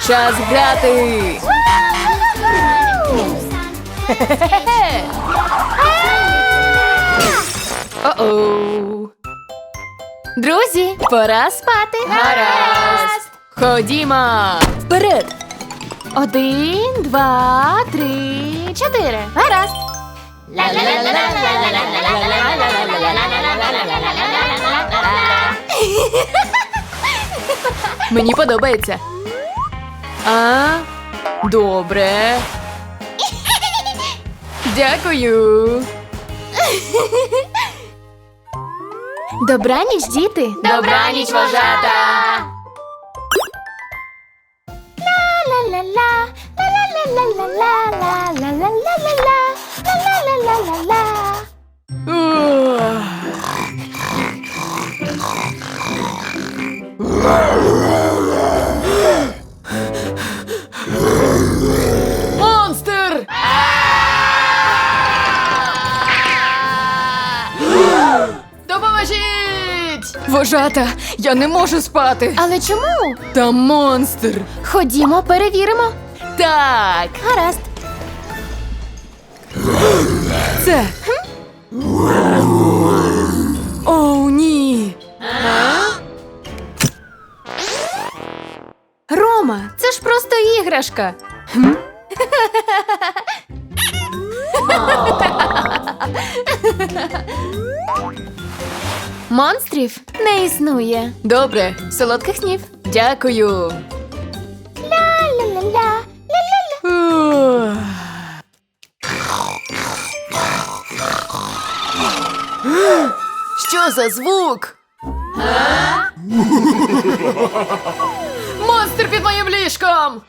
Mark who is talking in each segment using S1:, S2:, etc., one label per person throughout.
S1: Час грати! О-оу! Друзі, пора спати! Гаразд! Ходімо! Вперед! 1, 2, 3, 4. Гаразд! Мені подобається. Добре. Дякую. Добраніч, діти.
S2: Добраніч, вожата.
S3: Ла-ла-ла-ла, ла-ла-ла-ла-ла-ла-ла-ла-ла-ла, ла-ла-ла-ла-ла-ла.
S1: Монстр! Допоможіть! Вожата, я не можу спати.
S3: Але чому?
S1: Там монстр.
S3: Ходімо, перевіримо.
S1: Так,
S3: Гаразд.
S1: це. Оу, ні. Рома, це ж просто іграшка.
S3: Монстрів не існує.
S1: Добре, солодких снів. Дякую.
S3: Ла-ла-ла-ла, ла-ла-ла.
S1: Ух. Що за звук? Монстр під моїм ліжком!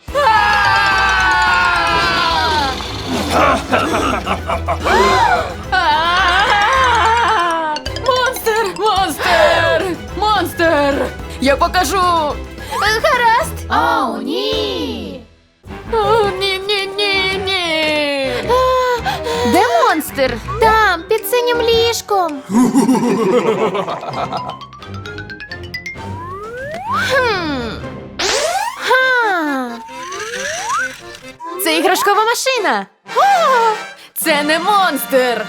S1: Монстр! Монстр! Монстр! Я покажу!
S3: Гаразд.
S2: О, ні.
S1: О, ні!
S3: Де монстр? Там, під синім ліжком. Ха.
S1: Це іграшкова машина! Це не монстр!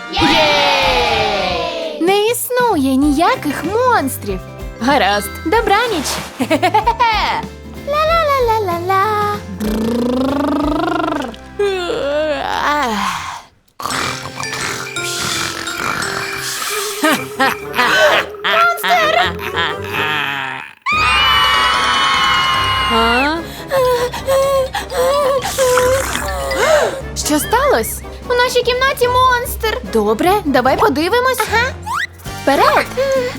S2: Єй!
S3: Не існує ніяких монстрів.
S1: Гаразд.
S3: Добраніч. Ла-ла-ла-ла-ла-ла.
S1: А?
S3: Що сталося? У нашій кімнаті монстр. Добре, давай подивимось. Ага. Вперед.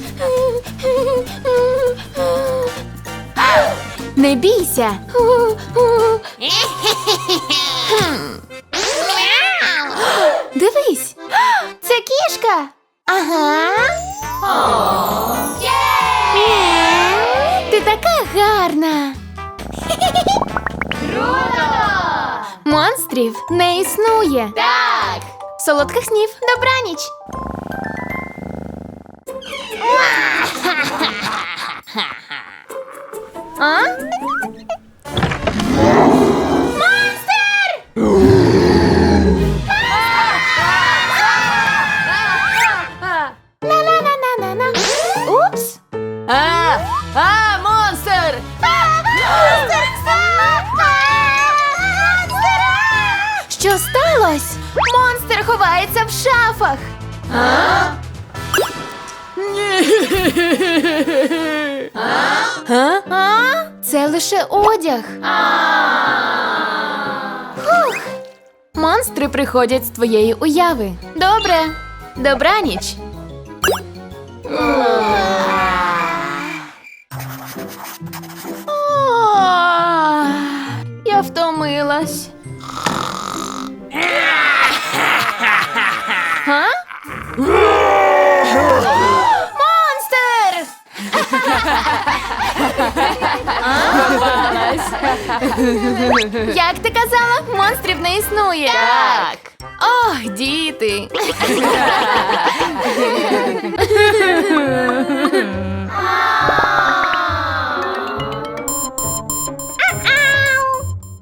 S3: Не бійся. Дивись. Це кішка. Ага. Ти така гарна.
S2: Круто!
S3: Монстрів не існує.
S2: Так!
S3: Солодких снів, добраніч. А? На-на-на-на-на-на. Упс.
S1: Монстр!
S3: Що сталося? Монстр ховається в шафах. А? Це лише одяг. Фух. Монстри приходять з твоєї уяви. Добре. Добраніч. Я втомилась. Га? Монстр! Як ти казала, монстрів не існує.
S1: Так. Ох, діти.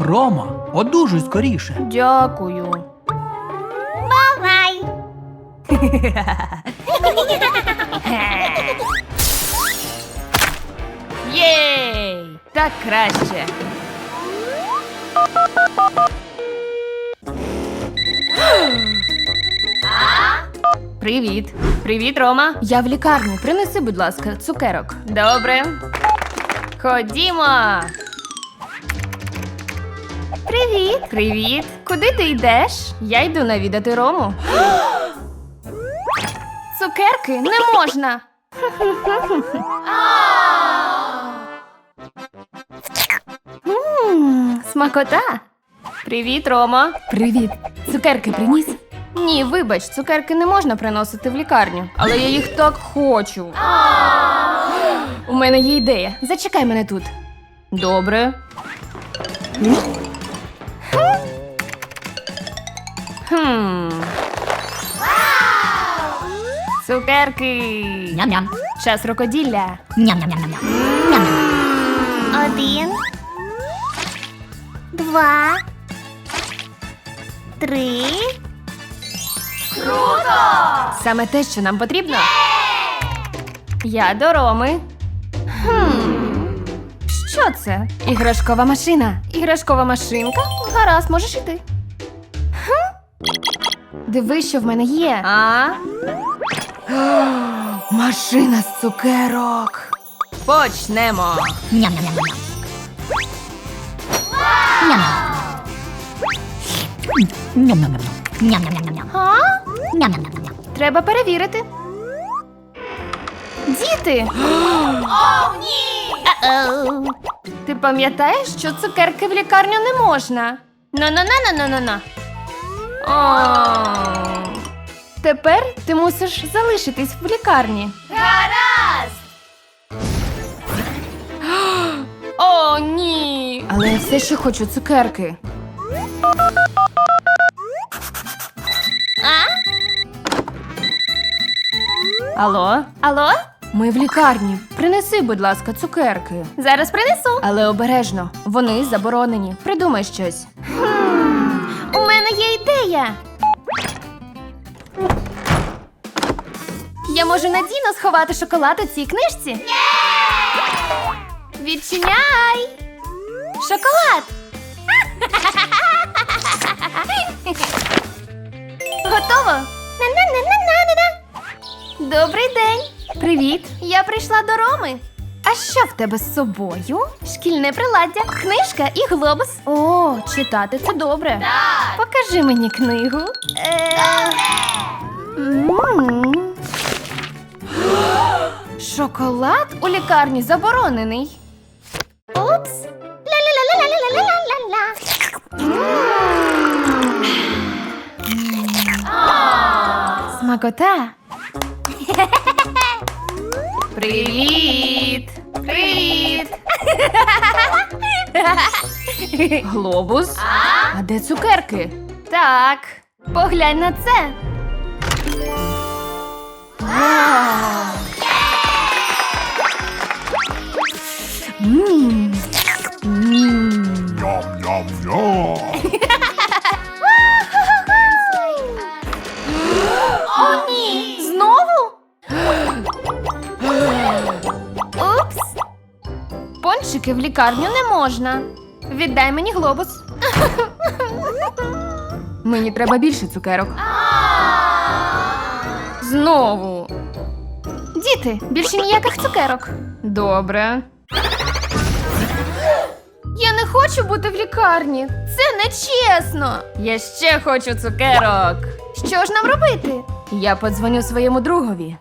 S4: Рома, одужуй скоріше.
S3: Дякую.
S2: Бувай.
S3: Єй! Так краще. Привіт. Привіт, Рома. Я в лікарні. Принеси, будь ласка, цукерок. Добре. Ходімо. Привіт. Привіт. Куди ти йдеш? Я йду навідати Рому. Цукерки не можна. Смакота. Привіт, Рома. Привіт. Цукерки приніс? Ні, вибач, цукерки не можна приносити в лікарню, але я їх так хочу. У мене є ідея. Зачекай мене тут. Добре. Хм. Цукерки.
S2: Ням-ням.
S3: Час рукоділля.
S2: Ням-ням-ням-ням. Ням-ням. 1, 2, 3.
S3: Саме те, що нам потрібно. Я до Роми. Що це? Іграшкова машина. Іграшкова машинка? Гаразд, можеш іти. Диви, що в мене є. Машина з цукерок. Почнемо.
S2: Ням-ням-ням-ням. Ням-ням. Ням-ням-ням-ням. Ням-ням-ням-ням. Ням-ням-ням-ням.
S3: Треба перевірити. Діти!
S2: Оу.
S3: Ти пам'ятаєш, що цукерки в лікарню не можна? На-на-на-на-на-на-на. О. Тепер ти мусиш залишитись в лікарні. Гаразд! О, ні! Але я все ще хочу цукерки. Алло? Алло? Ми в лікарні. Принеси, будь ласка, цукерки. Зараз принесу. Але обережно. Вони заборонені. Придумай щось. У мене є ідея. Я можу надійно сховати шоколад у цій книжці. Відчиняй! Шоколад! Готово! На-на-на-на-на-на-на! Добрий день! Привіт! Я прийшла до Роми. А що в тебе з собою? Шкільне приладдя, книжка і глобус. О, читати це добре. Так. Покажи мені книгу. Шоколад у лікарні заборонений.
S2: Упс. Ля-ля-ля-ля-ля-ля-ля-ля.
S3: Смакота. Привіт! Привіт! Глобус? А де цукерки? Так, поглянь на це.
S5: Ням-ням-ням.
S3: О, ні! Знову? Упс! Пончики в лікарню не можна. Віддай мені глобус. Мені треба більше цукерок. Знову. Діти, більше ніяких цукерок. Добре. Я не хочу бути в лікарні. Це нечесно. Я ще хочу цукерок. Що ж нам робити? Я подзвоню своєму другові.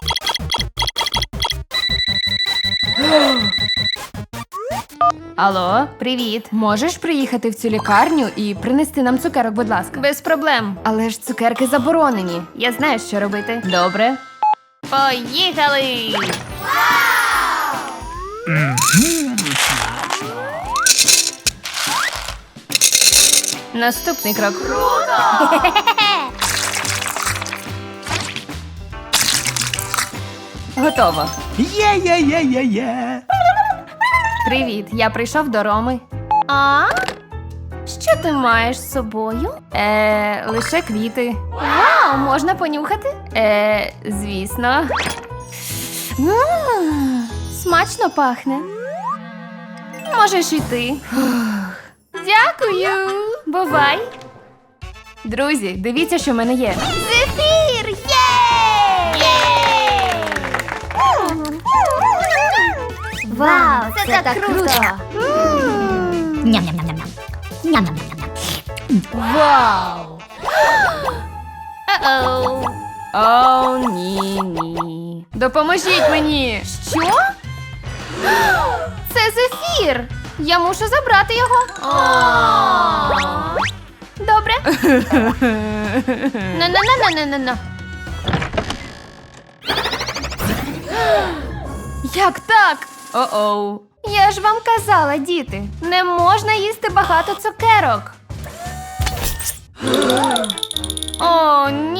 S3: Алло, привіт. Можеш приїхати в цю лікарню і принести нам цукерок, будь ласка? Без проблем. Але ж цукерки заборонені. Я знаю, що робити. Добре. Поїхали! Наступний крок. Готово.
S4: Є-є-є-є-є.
S3: Привіт, я прийшов до Роми. А? Що ти маєш з собою? Лише квіти. Вау, можна понюхати? Звісно. Смачно пахне. Можеш іти. Дякую. Бувай. Друзі, дивіться, що в мене є. Зефір! Є!
S2: Вау, це так круто! Ням-ням-ням-ням. Ням-ням-ням-ням.
S1: Вау!
S3: О-оу. О, ні. Допоможіть мені. Що? Це зефір. Я мушу забрати його. Добре. На-на-на-на-на-на. Як так? О-оу. Я ж вам казала, діти, не можна їсти багато цукерок. О,